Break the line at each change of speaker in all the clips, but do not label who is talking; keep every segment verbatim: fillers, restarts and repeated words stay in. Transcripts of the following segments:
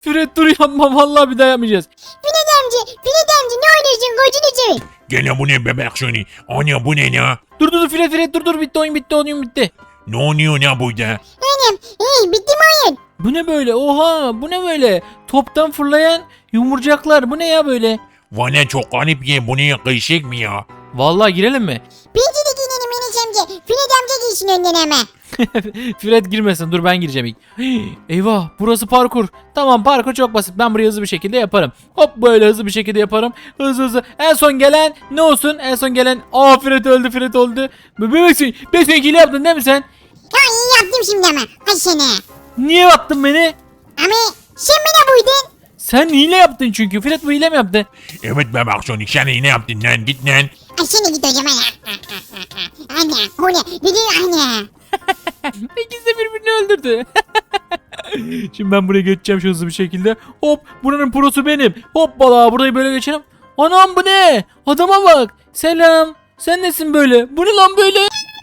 Fred dur yapma vallahi bir daha yapmayacağız.
Fred amca, Fred amca ne oynuyorsun kocunu seveyim.
Gene bu ne bebek Sonic? Ana bu ne ya?
Dur dur dur Fred Fred dur dur bitti oyun bitti oyun bitti.
Ne oluyor ne burada?
Annem, hey bitti mi oyun?
Bu ne böyle oha bu ne böyle toptan fırlayan yumurcaklar bu ne ya böyle.
Valla çok garip ya, bu ne kıyışık mı ya?
Vallahi girelim mi?
Bence de giyinelim Enes amca. Fred amca giysin önden ama.
Fred girmesin dur ben gireceğim ilk. Hii, eyvah burası parkur. Tamam parkur çok basit ben burayı hızlı bir şekilde yaparım. Hop böyle hızlı bir şekilde yaparım. Hızlı hızlı. En son gelen ne olsun en son gelen. Aa Fred öldü Fred öldü. Bebeksin. Bebeksin hile yaptın değil mi sen?
Ha iyi yaptım şimdi ama. Ay seni.
Niye attın beni?
Ama sen bana buydun.
Sen hile yaptın çünkü. Fred bu hile mi yaptı?
Evet bebek Sonic, sen ne yaptın lan, git lan.
Ay seni git hocam ana. Anne, o ne? Dedi anne.
İkisi de birbirini öldürdü. Şimdi ben buraya geçeceğim şu hızlı bir şekilde. Hop buranın prosu benim. Hoppala burayı böyle geçelim. Anam bu ne? Adama bak. Selam. Sen nesin böyle? Bu ne lan böyle?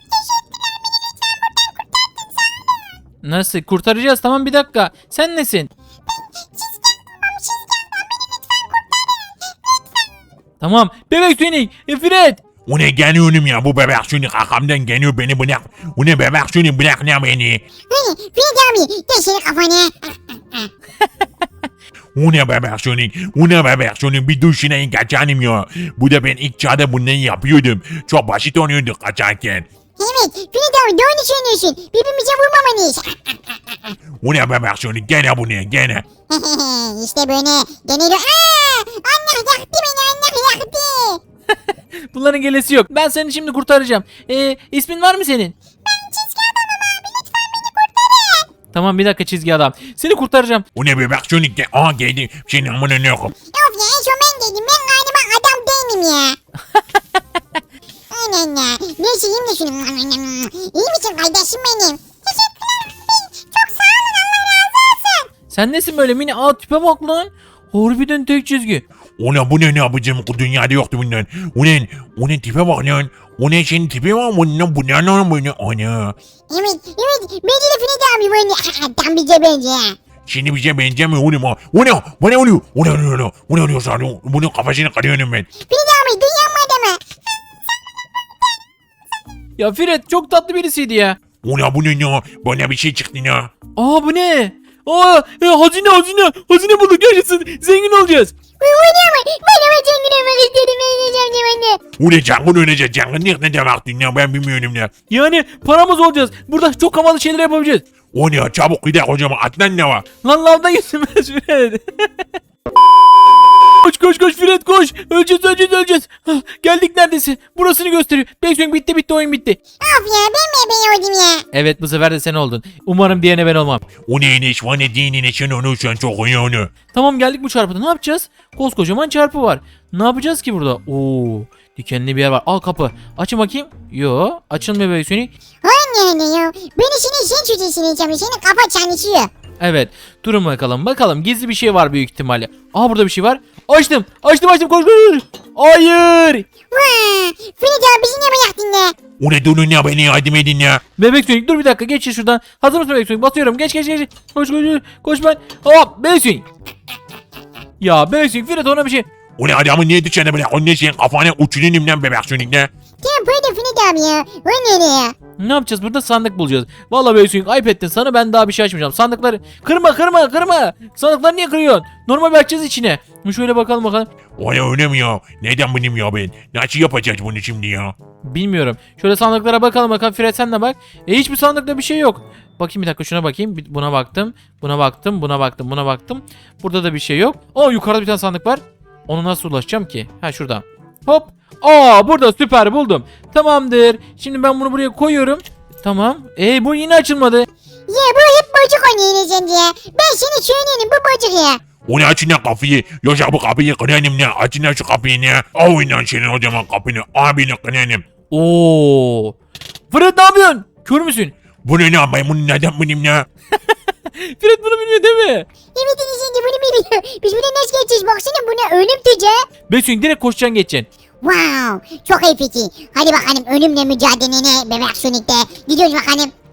Nasıl? Kurtaracağız tamam bir dakika. Sen nesin? Tamam. Bebek Sonic. E, Fred.
O ne geliyorum ya, bu bebek Sonic arkamdan geliyor, beni bırak. O ne bebek Sonic, bırak ne beni.
Hani Fred abi gel senin kafana.
O ne bebek Sonic, o ne bebek Sonic, bir duşuna kaçanım ya. Bu da ben ilk çağda bunları yapıyordum. Çok basit oluyordu kaçarken.
Evet Fred abi doğru söylüyorsun. Birbirimize vurmamalıyız.
O ne bebek Sonic, gene bu ne gene.
işte böyle geneli. Aaa! Allah yaktı beni Allah yaktı.
Bunların gelesi yok. Ben seni şimdi kurtaracağım. E, ismin var mı senin? Tamam bir dakika çizgi adam. Seni kurtaracağım.
O ne bebek Sonic, gel. Aa geldi. Senin amına ne okum.
Of ya en son ben dedim ben galiba adam değilim ya. Aynen ya. Neyse yiyeyim de şunu. İyi misin kardeşim benim? Teşekkürler. Çok sağ olun Allah razı olsun.
Sen nesin böyle mini? Aa tipe bak lan. Harbiden tek çizgi.
O ne bu ne ne yapacağım, bu dünyada yoktu bundan. O ne, o ne tipe bak lan. O ne senin tipe var mı lan, bu ne lan bu ne, ana.
Evet evet bence de Fred abi böyle. Tam bize bence.
Şimdi bize benzemiyor oğlum ha. O ne, bu ne oluyor, o ne oluyor, o ne, o ne oluyor sana, bunun kafasını kırıyorum ben.
Fred abi dünyanın adamı.
Ya Fred çok tatlı birisiydi ya.
O ne bu ne ya, bana bir şey çıktı ya.
Aa bu ne? Aa e, hazine hazine. Hazine bulduk yaşasın. Zengin olacağız.
Bu ne ama? Ben ama zengin olmak istedim. Ben yiyeceğim anne.
O ne canın ölecek, canın ne demek dünya, ben bilmiyorum ya.
Yani paramız olacağız. Burada çok havalı şeyler yapabileceğiz.
O ne, çabuk gidelim hocam, atlan ne var.
Lan lavda yüzümüz Fred. Koş koş koş Fred koş. Öleceğiz öleceğiz öleceğiz. Hah, geldik neredesin? Burasını gösteriyor. Bekliyorum bitti bitti oyun bitti.
Of ya ben mi ben oldum ya?
Evet bu sefer de sen oldun. Umarım diğerine ben olmam.
O ne ne, şu an ne dinine sen onu, sen çok iyi onu.
Tamam geldik bu çarpıda ne yapacağız? Koskocaman çarpı var. Ne yapacağız ki burada? Oo, dikenli bir yer var. Al kapı. Açın bakayım. Yo açılmıyor böyle Sonic.
Anne anne ya. Beni senin sen çocuğusun diyeceğim. Senin kafa çalışıyor.
Evet. Durun bakalım. Bakalım gizli bir şey var büyük ihtimalle. Aa burada bir şey var. Açtım. Açtım açtım. Koş koş. Hayır.
Vaa. Fred abi bizi ne yaktın ya?
O ne durun ya, beni yardım edin ya.
Bebek Sonic dur bir dakika. Geç şuradan. Hazır mısın Bebek Sonic? Basıyorum. Geç geç geç. Koş koş koş. Koş ben. Hop Bebek Sonic. Ya Bebek Sonic Fred ona bir şey.
O ne adamı niye dışarı bırak, o ne senin kafana uçurayım lan bebek Sonic ne.
Tamam böyle Fred abi ya. O ne ya?
Ne yapacağız? Burada sandık bulacağız. Vallahi Bebek Sonic ayıp ettin. Sana ben daha bir şey açmayacağım. Sandıkları kırma kırma kırma. Sandıkları niye kırıyorsun? Normal bir açacağız içine. Şöyle bakalım bakalım.
O ne öyle mi ya? Neden benim ya ben? Nasıl yapacağız bunu şimdi ya?
Bilmiyorum. Şöyle sandıklara bakalım bakalım. Fred sen de bak. E hiçbir sandıkta bir şey yok. Bakayım bir dakika şuna bakayım. Bir- Buna baktım. Buna baktım. Buna baktım. Buna baktım. Burada da bir şey yok. Aa yukarıda bir tane sandık var. Ona nasıl ulaşacağım ki? Ha şuradan. Hop. Aa burada süper buldum. Tamamdır. Şimdi ben bunu buraya koyuyorum. Tamam. E bu yine açılmadı.
Ya bu hep bocuk oynuyor Enes amca ya. Ben seni söyleyeyim bu bocuk ya.
O ne, açın lan kapıyı. Yoksa bu kapıyı kırarım ne? Açın lan şu kapıyı ne? Al lan senin o zaman kapını. Abini kırarım.
Oo. Fred ne yapıyorsun? Kör müsün?
Bu ne lan, ben bunu neden benim ne?
Fred bunu bilmiyor değil mi?
Evet Enes amca bunu biliyor. Biz buradan nasıl geçeceğiz? Baksana buna ölüm tüce.
Besin direkt koşacaksın geçeceksin.
Wow. Çok iyi fikir. Hadi bakalım ölümle mücadelene bebek Sonic'te. Gidiyoruz bakalım.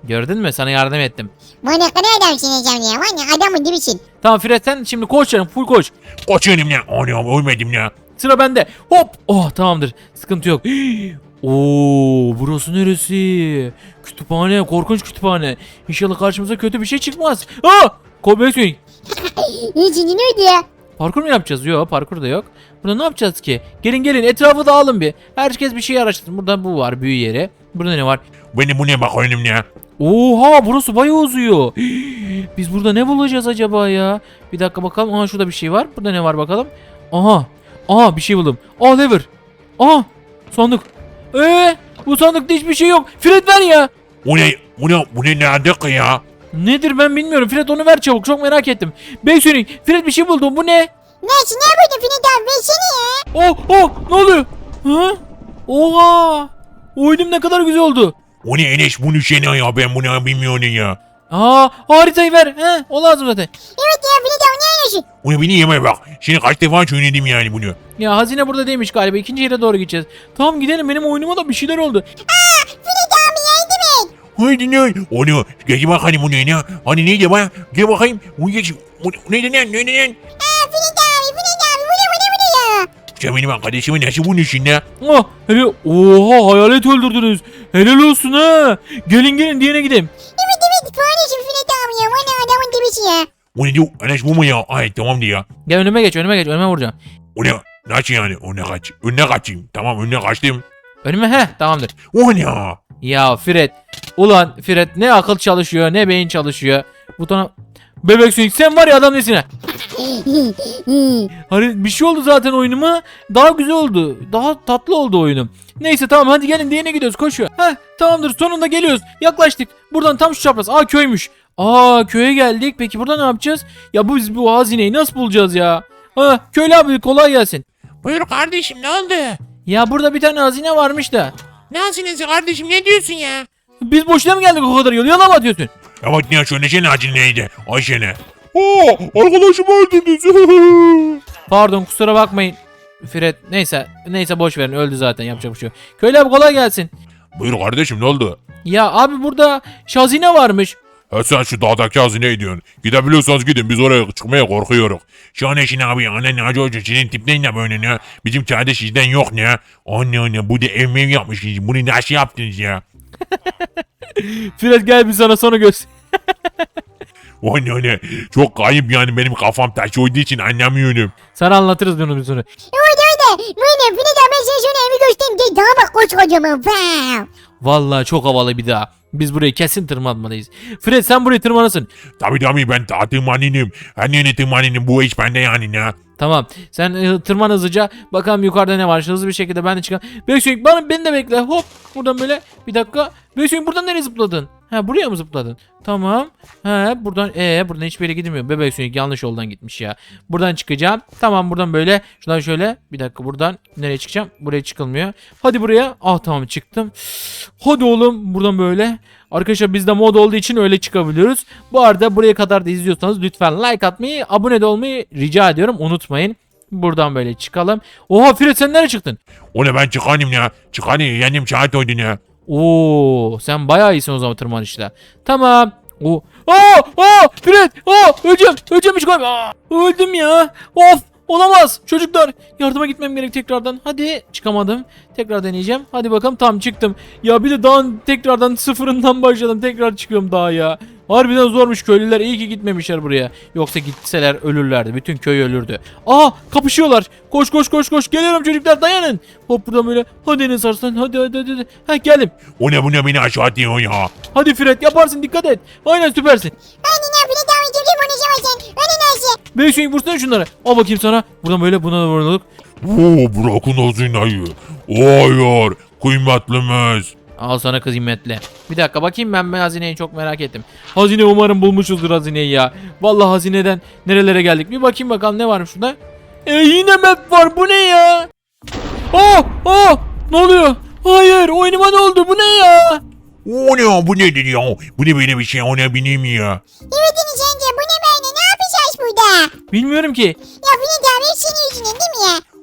Gördün mü? Sana yardım ettim.
Bana ne kadar adamsın Ecem ya. Valla adamın gibisin.
Tamam Fred sen şimdi koş canım full koş.
Koçuyorum ya. Anam ölmedim ya.
Sıra bende. Hop. Oh tamamdır. Sıkıntı yok. Oo burası neresi? Kütüphane. Korkunç kütüphane. İnşallah karşımıza kötü bir şey çıkmaz. Aa! Kobek
İçinde neydi ya?
Parkur mu yapacağız? Yok parkur da yok. Burada ne yapacağız ki? Gelin gelin etrafı dağılın bir. Herkes bir şey araştırsın. Burada bu var büyü yeri. Burada ne var?
Benim bu ne bakıyorum ya.
Oha burası bayağı uzuyor. Biz burada ne bulacağız acaba ya? Bir dakika bakalım. Aha şurada bir şey var. Burada ne var bakalım. Aha. Aha bir şey buldum. Aa lever. Aha sandık. Eee bu sandıkta hiçbir şey yok. Fred ver ya.
Bu ne? Bu ne? Bu ne nerede ki ya?
Nedir ben bilmiyorum. Fred onu ver çabuk. Çok merak ettim. Beysonik Fred bir şey buldum. Bu ne?
Neyse ne buldun Filiz abi versene ya.
Oh oh ne oluyor? Hı? Oha. Oyunum ne kadar güzel oldu.
O ne Enes bunu şey ne ya ben bunu bilmiyorum ya.
Aa haritayı ver. He, o lazım zaten.
Evet ya Filiz abi ne yapıyorsun?
Onu beni yeme bak. Şimdi kaç defa söyledim yani bunu.
Ya hazine burada değilmiş galiba. İkinci yere doğru gideceğiz. Tamam gidelim. Benim oyunuma da bir şeyler oldu.
Aa Filiz abi yardım et.
Haydi ne? Onu geç bakalım bu ne ne? Hani neydi bana? Gel bakayım. O geç. O neydi ne? Neydi ne?
Aa Filiz abi Filiz abi bu ne bu ne bu ne ya?
Sen benim arkadaşımı nasıl bunun içinde?
Oh, hele oha hayalet öldürdünüz. Helal olsun ha. Gelin gelin diğerine gidelim.
Evet evet kardeşim Filiz abi ya. Valla adamın gibisi ya.
O ne diyor? Enes bu mu ya? Ay tamam diyor ya.
Gel önüme geç önüme geç önüme vuracağım.
O ne? Nasıl yani? Önüne kaç. Önüne kaçayım. Tamam önüne kaçtım.
Önüme he tamamdır.
O ne ya?
Ya Fred. Ulan Fred ne akıl çalışıyor ne beyin çalışıyor. Butona... Bebek Sonic sen var ya adam nesine. Hani bir şey oldu zaten oyunuma. Daha güzel oldu. Daha tatlı oldu oyunum. Neyse tamam hadi gelin diğerine gidiyoruz koşuyor. Heh tamamdır sonunda geliyoruz. Yaklaştık. Buradan tam şu çapraz. Aa köymüş. Aa köye geldik. Peki burada ne yapacağız? Ya bu biz bu hazineyi nasıl bulacağız ya? Ha köylü abi kolay gelsin.
Buyur kardeşim ne oldu?
Ya burada bir tane hazine varmış da.
Ne hazinesi kardeşim ne diyorsun ya?
Biz boşuna mı geldik o kadar yol? Yalan mı atıyorsun?
Evet ne söylesene acil neydi? Ayşe ne?
Oo arkadaşımı öldürdünüz.
Pardon kusura bakmayın. Fred neyse neyse boş verin öldü zaten yapacak bir şey yok. Köylü abi kolay gelsin.
Buyur kardeşim ne oldu?
Ya abi burada şu hazine varmış.
Ha sen şu dağdaki hazineye diyorsun. Gidebiliyorsanız gidin biz oraya çıkmaya korkuyoruz. Şu an eşin abi anne ne acı hoca senin tip ne böyle ne? Bizim kardeş sizden yok ne? Anne anne bu da ev mev yapmışsınız. Bunu nasıl yaptınız ya?
Fred gel bir sana sonra göster.
Anne anne çok kayıp yani benim kafam taş olduğu için anlamıyorum.
Sana anlatırız bunu bir sonra.
Evet öyle. Böyle Filiz abi ben sana şöyle evi göstereyim. Gel daha bak koskocaman. Wow.
Vallahi çok havalı bir daha. Biz burayı kesin tırmanmalıyız. Fred sen burayı tırmanasın.
Tabii tabii ben daha tırmanayım. Anne ne tırmanayım bu iş bende yani ne?
Tamam. Sen e, tırman hızlıca. Bakalım yukarıda ne var. Hızlı bir şekilde ben de çıkalım. Beksonik bana beni de bekle. Hop. Buradan böyle. Bir dakika. Beksonik buradan nereye zıpladın? Ha buraya mı zıpladın? Tamam. Ha buradan ee buradan hiçbir yere gidilmiyor. Bebek Sonic yanlış yoldan gitmiş ya. Buradan çıkacağım. Tamam buradan böyle. Şuradan şöyle. Bir dakika buradan nereye çıkacağım? Buraya çıkılmıyor. Hadi buraya. Ah tamam çıktım. Hadi oğlum buradan böyle. Arkadaşlar bizde mod olduğu için öyle çıkabiliyoruz. Bu arada buraya kadar da izliyorsanız lütfen like atmayı, abone de olmayı rica ediyorum. Unutmayın. Buradan böyle çıkalım. Oha Fred sen nereye çıktın?
O ne ben çıkarayım ya. Çıkarayım yanım şahit oydun ya.
Oo, sen bayağı iyisin o zaman tırmanışta. Tamam. O. Aa, aa, Fred. Aa, öleceğim. Öleceğim hiç koyma. Aa, öldüm ya. Of. Olamaz. Çocuklar yardıma gitmem gerek tekrardan. Hadi çıkamadım. Tekrar deneyeceğim. Hadi bakalım tam çıktım. Ya bir de daha tekrardan sıfırından başladım. Tekrar çıkıyorum daha ya. Harbiden zormuş köylüler. İyi ki gitmemişler buraya. Yoksa gitseler ölürlerdi. Bütün köy ölürdü. Aa kapışıyorlar. Koş koş koş koş. Geliyorum çocuklar dayanın. Hop buradan böyle. Hadi Enes Arslan. Hadi hadi hadi. hadi. Ha geldim.
O ne bu ne beni aşağı atıyor ya.
Hadi Fred yaparsın dikkat et. Aynen süpersin.
Anne ne Filiz abi gibi konuşamazsın. Anne nasıl?
Beyşoyun vursana şunları. Al bakayım sana. Buradan böyle buna da vuruluk.
Oo bırakın o zinayı. Hayır kıymetlimiz.
Al sana kıymetli. Bir dakika bakayım ben, ben hazineyi çok merak ettim. Hazine umarım bulmuşuzdur hazineyi ya. Vallahi hazineden nerelere geldik. Bir bakayım bakalım ne varmış şurada. E yine map var bu ne ya? Oh oh ne oluyor? Hayır oyunuma ne oldu bu ne ya?
O ne bu nedir ya? Bu ne böyle bir şey o ne bileyim ya.
Evet Enes amca bu ne böyle ne yapacağız burada?
Bilmiyorum ki.
Ya Filiz abi hep senin yüzünden değil mi ya?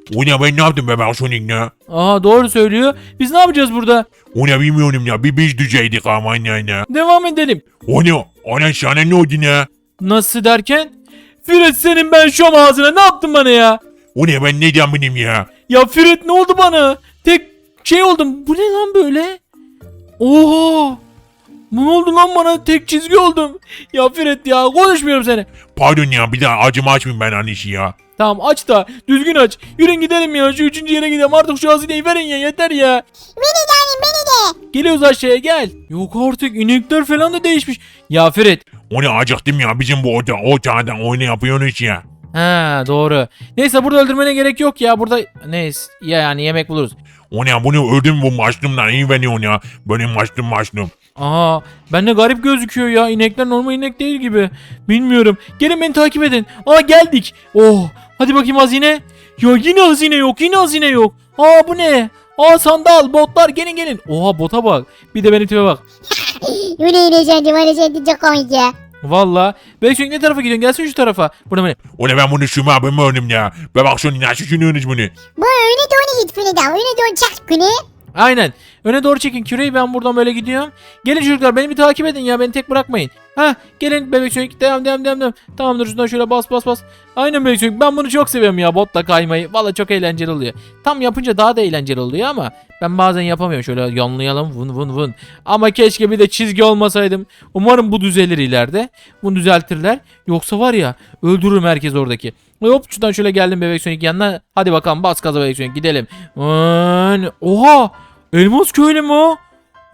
O ne ben ne yaptım bebek Sonic ne?
Aha doğru söylüyor. Biz ne yapacağız burada?
O ne bilmiyorum ya bir biz düzeydik ama ne ne.
Devam edelim.
O ne? Ana sana ne oldu ne?
Nasıl derken? Fred senin ben şu ağzına ne yaptın bana ya?
O ne ben ne diyeyim benim ya?
Ya Fred ne oldu bana? Tek şey oldum. Bu ne lan böyle? Oha! Ne oldu lan bana? Tek çizgi oldum. Ya Fred ya konuşmuyorum seni.
Pardon ya bir daha acımı açmayayım ben annesi ya.
Tamam aç da düzgün aç. Yürün gidelim ya şu üçüncü yere gidelim. Artık şu hazineyi verin ya yeter ya.
Beni de annem beni de.
Geliyoruz aşağıya gel. Yok artık inekler falan da değişmiş. Ya Fred.
O ne acıktım ya bizim bu oda o çağdan oyunu yapıyorsunuz ya.
Ha doğru. Neyse burada öldürmene gerek yok ya. Burada neyse ya yani yemek buluruz.
O ne bunu öldüm bu maçlımdan iyi veriyorsun ya. Benim maçlım maçlım.
Aa, bende garip gözüküyor ya. İnekler normal inek değil gibi. Bilmiyorum. Gelin beni takip edin. Aa geldik. Oh, hadi bakayım hazine. Ya yine hazine yok. Yine hazine yok. Aa bu ne? Aa sandal, botlar gelin gelin. Oha bota bak. Bir de benim tipe bak.
Yine yine sen var sen çok komik ya.
Valla. Belki ne tarafa gidiyorsun? Gelsin şu tarafa. Burada mı?
O ne ben bunu şuma abim önüm ya. Bebek Sonic nasıl düşünüyorsunuz bunu?
Bu öyle doğru git Fini de öyle doğru çak günü.
Aynen. Öne doğru çekin küreyi, ben buradan böyle gidiyorum. Gelin çocuklar beni bir takip edin ya, beni tek bırakmayın. Ha gelin bebek sönük, devam devam devam devam. Tamamdır, şuradan şöyle bas bas bas. Aynen bebek sönük, ben bunu çok seviyorum ya, botla kaymayı. Valla çok eğlenceli oluyor. Tam yapınca daha da eğlenceli oluyor ama ben bazen yapamıyorum, şöyle yanlayalım vın vın vın. Ama keşke bir de çizgi olmasaydım. Umarım bu düzelir ileride. Bunu düzeltirler. Yoksa var ya öldürürüm herkes oradaki. Hop şuradan şöyle geldim bebek sönük yanına. Hadi bakalım bas gaza bebek sönük, gidelim. Vın. Oha! Elmas köylü mü o?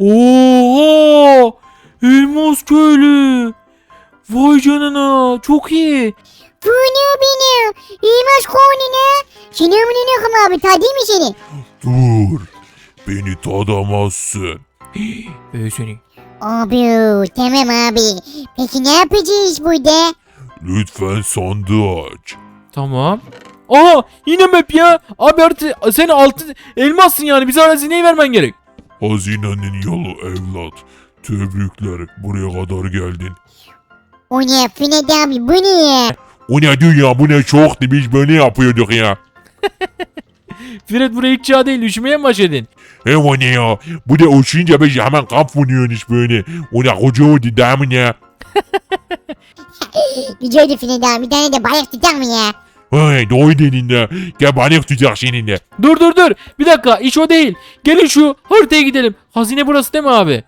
Oha! Elmas köylü. Vay canına, çok iyi.
Bu ne beni? İyimaz konunu. Seni ömrünü yokum abi ta değil mi seni?
Dur. Beni tadamazsın.
Bebek sönük.
Abi tamam abi. Peki ne yapacağız burada?
Lütfen sandığı aç.
Tamam. Aha yine map ya. Abi artık sen altı elmassın yani, bize hazineyi vermen gerek.
Hazinenin yolu evlat. Tebrikler buraya kadar geldin.
O ne Fine de abi bu ne ya?
O ne dünya bu ne çoktu biz böyle yapıyorduk ya.
Fred buraya ilk çağ değil, üşümeye mi başladın?
He o ne ya. Bu da uçunca biz hemen kamp vuruyoruz böyle. O ne koca oldu değil mi ya?
Güzeldi Fine de abi bir tane de balık tutar mı ya?
Hey doğru dedin de. Gel balık tutacak seninle.
Dur dur dur. Bir dakika, iş o değil. Gelin şu haritaya gidelim. Hazine burası değil mi abi?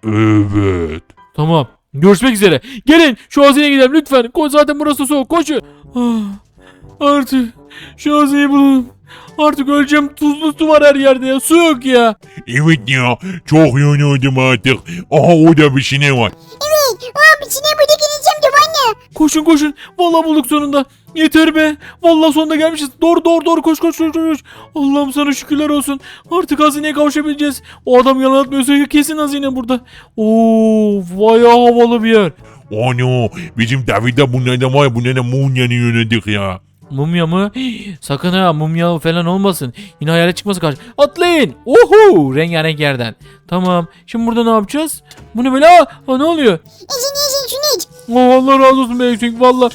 Evet.
Tamam. Görüşmek üzere. Gelin şu hazineye gidelim lütfen. Koş, zaten burası soğuk. Koşun. Ah, artık şu hazineyi bulalım. Artık öleceğim. Tuzlu su var her yerde ya. Su yok ya.
Evet ya. Çok yoruldum artık. Aha orada bir şey var.
Evet abi içine burada geleceğim de anne.
Koşun koşun. Vallahi bulduk sonunda. Yeter be. Vallahi sonunda gelmişiz. Doğru doğru doğru koş koş koş koş. Allah'ım sana şükürler olsun. Artık hazineye kavuşabileceğiz. O adam yalan atmıyorsa kesin hazine burada. Oo, bayağı havalı bir yer.
Ano bizim David'de bunlardan var ya bunlardan Munya'nı yönedik ya.
Mumya mı? Hii, sakın ha, mumya falan olmasın. Yine hayalet çıkması karşı. Atlayın. Oho, rengarenk yerden. Tamam. Şimdi burada ne yapacağız? Bu ne böyle? Aa, aa, ne oluyor?
İçin için şunu iç.
Aa, Allah razı olsun Beysun. Valla.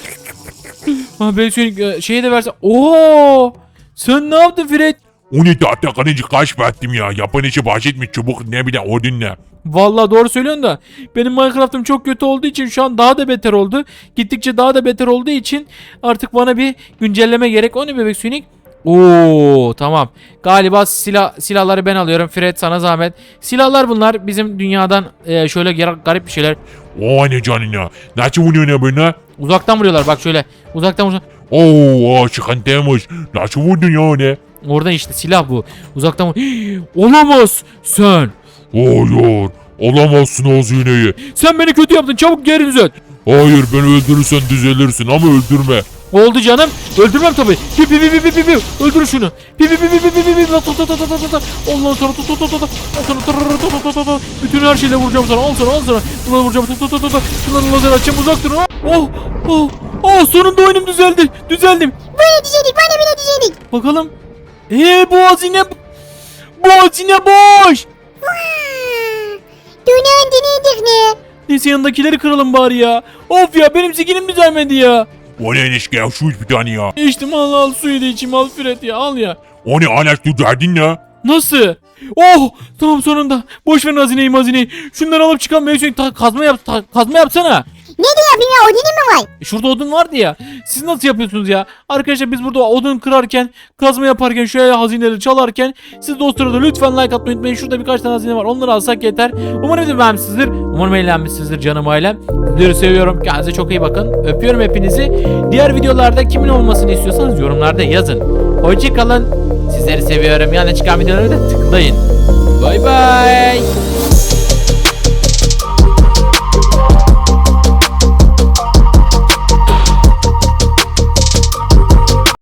Ha Beysun şeyi de versen. Oo! Sen ne yaptın Fred?
O ne tahta kanıcı kaç ettim ya. Yapan işi bahsetmiş çubuk ne bir de odunla.
Vallahi doğru söylüyorsun da benim Minecraft'ım çok kötü olduğu için şu an daha da beter oldu. Gittikçe daha da beter olduğu için artık bana bir güncelleme gerek. O ne bebek Sonic? Oo tamam. Galiba silah silahları ben alıyorum. Fred sana zahmet. Silahlar bunlar bizim dünyadan e, şöyle gar- garip bir şeyler.
O ne canına. Nasıl vuruyor ne böyle?
Uzaktan vuruyorlar bak şöyle. Uzaktan vuruyorlar.
Oo çıkıntıymış. Nasıl vurdun ya ne?
Oradan işte silah bu. Uzaktan vur. Hii, olamaz sen.
Hayır. Alamazsın o zineyi.
Sen beni kötü yaptın. Çabuk geri düzelt.
Hayır beni öldürürsen düzelirsin ama öldürme.
Oldu canım. Öldürmem tabii. Pi pi pi pi pi pi pi. Öldür şunu. Pi pi pi pi pi pi pi pi. Ta ta ta ta ta ta ta. Ondan sonra ta ta ta ta ta. Al sana ta ta ta ta ta ta. Bütün her şeyle vuracağım sana. Al sana al sana. Bunları vuracağım. Ta ta ta ta ta. Şunları lazer açacağım. Uzak durun. Oh oh. Oh sonunda oyunum düzeldi. Düzeldim.
Böyle düzelik bana bile düzelik.
Bakalım. Eee bu hazine. Bu hazine boş.
Dönen deneydik ne?
Neyse yanındakileri kıralım bari ya. Of ya benim zikinim düzelmedi ya.
O ne ilişki ya şu bir tane ya.
İçtim al al suyu da içeyim al Fred ya al ya.
O ne hala şu derdin ne?
Nasıl? Oh tamam sonunda. Boş ver hazineyi mazineyi. Şunları alıp çıkan Beysun ta- kazma yap ta- kazma yapsana.
Ne diyor bilmiyorum odunu mu var?
E, şurada odun vardı ya. Siz nasıl yapıyorsunuz ya? Arkadaşlar biz burada odun kırarken, kazma yaparken, şöyle hazineleri çalarken siz de o sırada lütfen like atmayı unutmayın. Şurada birkaç tane hazine var. Onları alsak yeter. Umarım videomu beğenmişsinizdir. Umarım eğlenmişsinizdir canım ailem. Sizleri seviyorum. Kendinize çok iyi bakın. Öpüyorum hepinizi. Diğer videolarda kimin olmasını istiyorsanız yorumlarda yazın. Hoşçakalın. Sizleri seviyorum. Yani çıkan videoları da tıklayın. Bay bay.